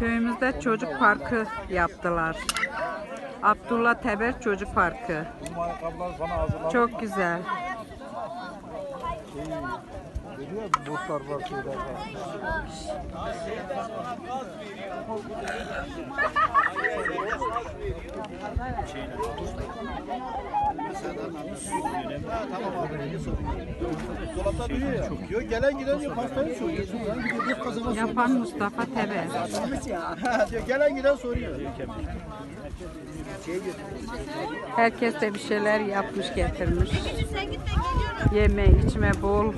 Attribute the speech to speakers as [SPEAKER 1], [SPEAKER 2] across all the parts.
[SPEAKER 1] Köyümüzde çocuk parkı yaptılar. Abdullah Teber Çocuk Parkı. Çok güzel.
[SPEAKER 2] Geliyor botlar var, şeyler var. Dolapta duruyor ya. Yok gelen giden diyor pastayı soruyor.
[SPEAKER 1] Yapan Mustafa Teber.
[SPEAKER 2] Diyor gelen giden soruyor.
[SPEAKER 1] Herkes de bir şeyler yapmış getirmiş. Yeme içme bol.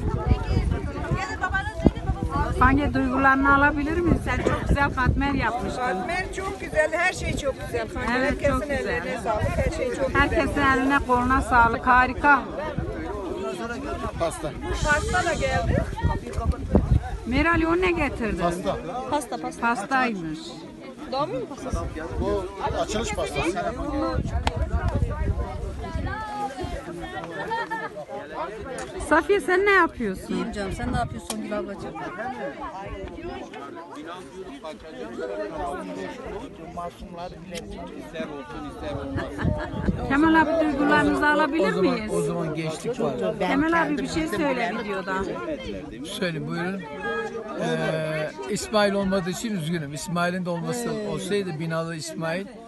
[SPEAKER 1] Hangi duygularını alabilir miyim? Sen çok güzel katmer yapmıştın.
[SPEAKER 3] Katmer çok güzel, her şey çok güzel.
[SPEAKER 1] Evet,
[SPEAKER 3] Herkesin
[SPEAKER 1] çok güzel.
[SPEAKER 3] ellerine sağlık, her şey çok güzel.
[SPEAKER 1] Herkesin eline koluna sağlık. Harika.
[SPEAKER 2] Pasta.
[SPEAKER 3] Pasta da geldi.
[SPEAKER 1] Meral o ne getirdin?
[SPEAKER 2] Pasta.
[SPEAKER 1] Pastaymış.
[SPEAKER 3] Doğum günü pastası.
[SPEAKER 2] Bu açılış pastası.
[SPEAKER 1] Safiye sen ne yapıyorsun?
[SPEAKER 4] İyiyim canım. Sen ne yapıyorsun Gül ablacığım?
[SPEAKER 1] Kemal abi duygularınızı alabilir miyiz?
[SPEAKER 5] O zaman gençlik var.
[SPEAKER 1] Kemal abi bir şey söyle videoda.
[SPEAKER 5] Söyle buyurun. İsmail olmadığı için üzgünüm. İsmail'in de olması olsaydı binalı İsmail